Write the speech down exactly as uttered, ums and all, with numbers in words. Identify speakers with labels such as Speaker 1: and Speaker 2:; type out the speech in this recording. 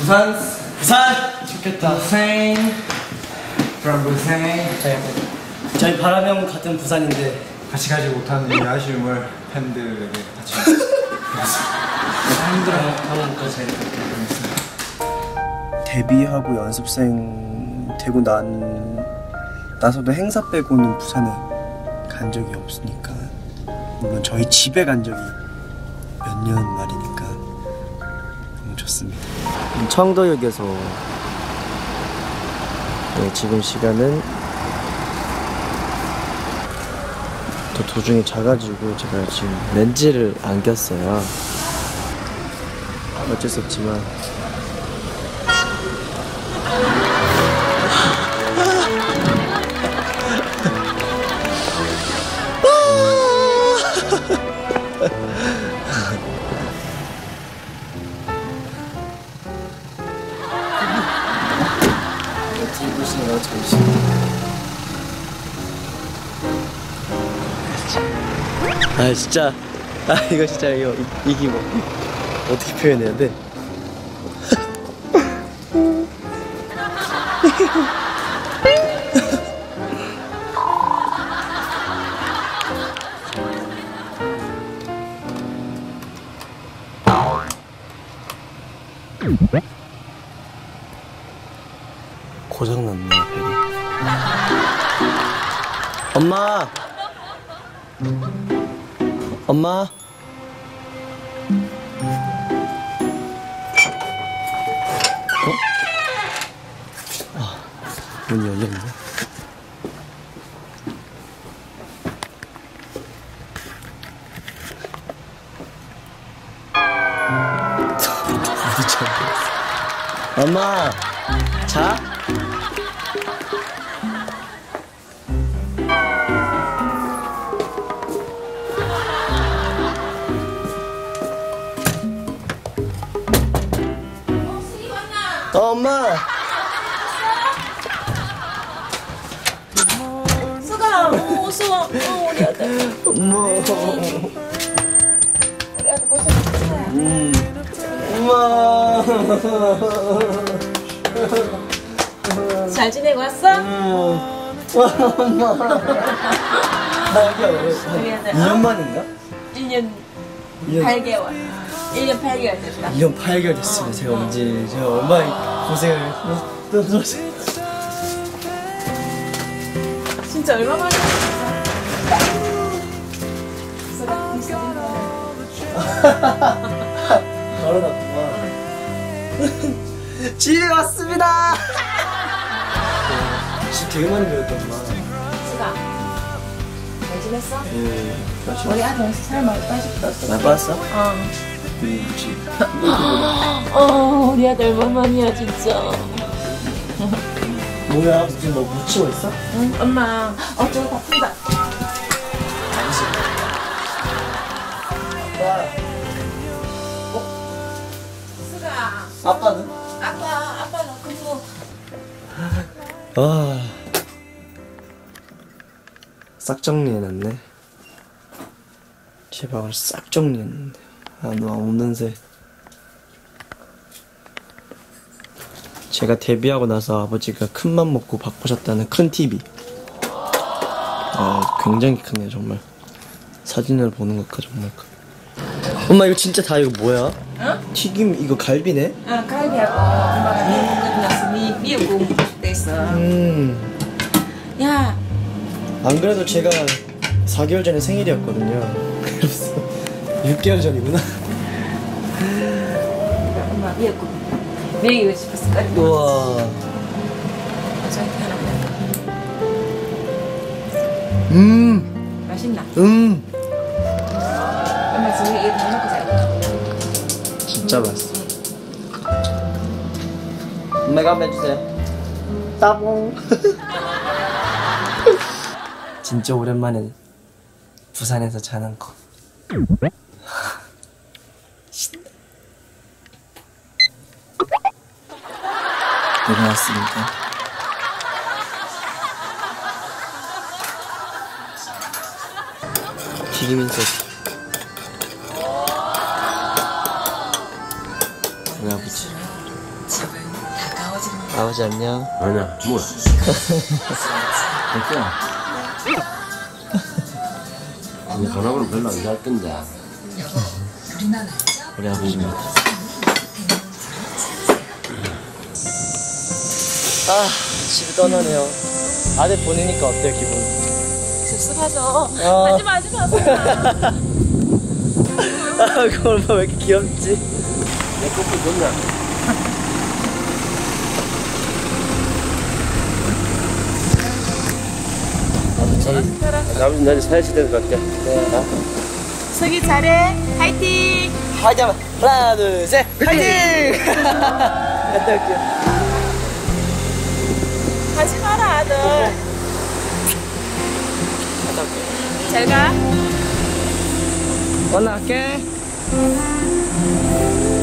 Speaker 1: 부산.
Speaker 2: 부산. 좋겠다.
Speaker 1: 부산. from 부산.
Speaker 2: 네. 저희 바람형 같은 부산인데
Speaker 1: 같이 가지 못하는 이 아쉬움을 팬들에게 같이
Speaker 2: 힘들어 하면 또 제일
Speaker 3: 데뷔하고 연습생 되고 난 나서도 행사 빼고는 부산에 간 적이 없으니까, 물론 저희 집에 간 적이 몇 년 말이니까 너무 좋습니다. 청도역에서 네, 지금 시간은 또 도중에 자가지고 제가 지금 렌즈를 안 꼈어요. 어쩔 수 없지만 보시네요. 잠시. 아 진짜 아 이거 진짜 이거 이, 이게 뭐 어떻게 표현해야 돼? 고장났네 벨이. 엄마! 엄마! 어? 아, 문이 열렸네. 엄마! 자? 어, 엄마!
Speaker 4: 수가, 오, 수아, 어, 우리 아들.
Speaker 3: 엄마!
Speaker 4: 우리 아들 고생했어.
Speaker 3: 음. 엄마!
Speaker 4: 잘 지내고 왔어?
Speaker 3: 엄마! 나 여기
Speaker 4: 우리 아들.
Speaker 3: 이 년 만인가?
Speaker 4: 일 년 팔 개월. 일 년 팔 개월 됐다.
Speaker 3: 일 년 팔 개월 됐어요. 제가 언제 제가 얼마나 고생을 또 들었어요.
Speaker 4: 진짜 얼마 만이야? 수가,
Speaker 3: 바로 났구만. 집에 왔습니다. 집 되게 많이 배웠다 엄마.
Speaker 4: 수가, 잘 지냈어?
Speaker 3: 예.
Speaker 4: 우리 아들 살 많이 빠졌어.
Speaker 3: 많이 빠졌어?
Speaker 4: 어.
Speaker 3: 음, 그렇지.
Speaker 4: 어, 우리 아들 얼마만이야 진짜.
Speaker 3: 뭐야 무슨 뭐 묻히고 있어?
Speaker 4: 응, 엄마 어쩌고 바쁜다.
Speaker 3: 아빠.
Speaker 4: 수가,
Speaker 3: 아빠는?
Speaker 4: 아빠, 아빠는 근무.
Speaker 3: 아. 싹 정리해놨네. 제 방을 싹 정리했는데. 아, 너 없는 새. 제가 데뷔하고 나서 아버지가 큰맘 먹고 바꾸셨다는 큰 티비. 아, 굉장히 크네요, 정말. 사진을 보는 것과 정말 크. 엄마, 이거 진짜 다 이거 뭐야?
Speaker 4: 응?
Speaker 3: 튀김, 이거 갈비네?
Speaker 4: 아, 갈비하고 엄마가 미국 끝나서 미, 미국 돼 있어.
Speaker 3: 음.
Speaker 4: 야,
Speaker 3: 안 그래도 제가 사 개월 전에 생일이었거든요. 그래서 육 개월 전이구나.
Speaker 4: 엄마 미국 미국 싶었을 거야.
Speaker 3: 우와.
Speaker 4: 저한테 하나 보내.
Speaker 3: 음.
Speaker 4: 맛있나?
Speaker 3: 음.
Speaker 4: 엄마 지금 이거 다 먹고 자.
Speaker 3: 진짜 맛있어. 엄마가 한번 해주세요. 따봉. 진짜 오랜만에 부산에서 자는 거. 신나. 일어났습니다. 튀김인 소스. 우리 아버지. 아버지 안녕.
Speaker 5: 아니야, 뭐야? 됐어. 근데 전화번호 별로 안 잘 건데.
Speaker 3: 우리 아버지 뭐. 아, 집에 떠나네요. 아들 보내니까 어때요, 기분?
Speaker 4: 씁쓸하죠.
Speaker 3: 아.
Speaker 4: 하지 마, 하지 마.
Speaker 3: 아, 그 엄마 왜 이렇게 귀엽지?
Speaker 5: 내 커플 좋냐? 아버지 나 이제 사회시 돼서 갈게. 네.
Speaker 4: 석이 잘해. 화이팅.
Speaker 3: 화이팅! 한번. 하나, 둘, 셋, 화이팅! 갔다 올게요.
Speaker 4: 하지 마라, 아들.
Speaker 3: 갔다 올게요.
Speaker 4: 잘 가.
Speaker 3: 올라갈게.